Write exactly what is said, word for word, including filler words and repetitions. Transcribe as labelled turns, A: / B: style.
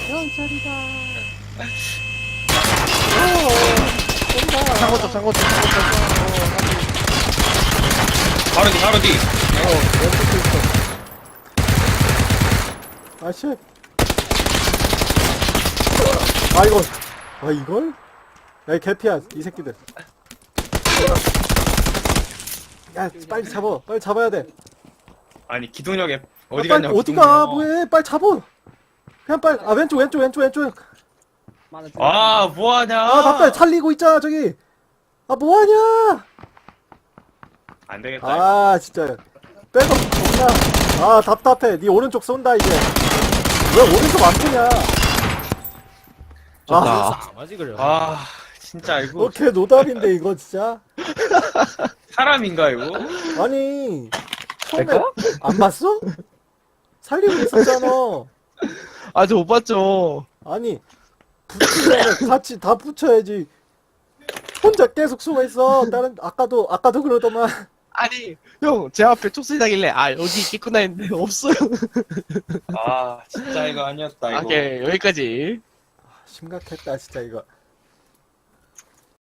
A: 경찰이다.
B: 창고 쪽, 창고 쪽, 창고 쪽.
C: 바로 뒤 바로 뒤.
A: 어, 왼쪽도 있어. 아씨. 아, 이거. 아, 이걸? 야, 이 개피야, 이 새끼들. 야, 빨리 잡아. 빨리 잡아야 돼.
C: 아니 기동력에 어디
A: 아, 빨리
C: 갔냐고.
A: 어디가?
C: 기동력.
A: 뭐해? 빨리 잡아. 그냥 빨리. 아, 왼쪽, 왼쪽, 왼쪽, 왼쪽.
C: 아 뭐하냐.
A: 아, 나 빨리 살리고 있잖아, 저기. 아, 뭐하냐?
C: 안 되겠다.
A: 아, 진짜. 백업 없나? 아, 답답해. 네 오른쪽 쏜다, 이제. 왜 오른쪽 안 쏘냐? 아,
B: 좋다.
D: 맞지 그래.
C: 아 진짜 이거
A: 오케이, 노답인데, 이거 진짜.
C: 사람인가 이거?
A: 아니, 처음에
B: 내가?
A: 안 봤어? 살리고 있었잖아.
B: 아, 저 못 봤죠.
A: 아니, 붙이면 같이 다 붙여야지. 혼자 계속 숨어 있어. 다른, 아까도, 아까도 그러더만.
B: 아니, 형, 제 앞에 촉수이 나길래, 아, 여기 있겠구나 했는데, 없어요.
C: 아 진짜 이거 아니었다 이거.
B: 오케이, 여기까지.
A: 심각했다, 진짜, 이거.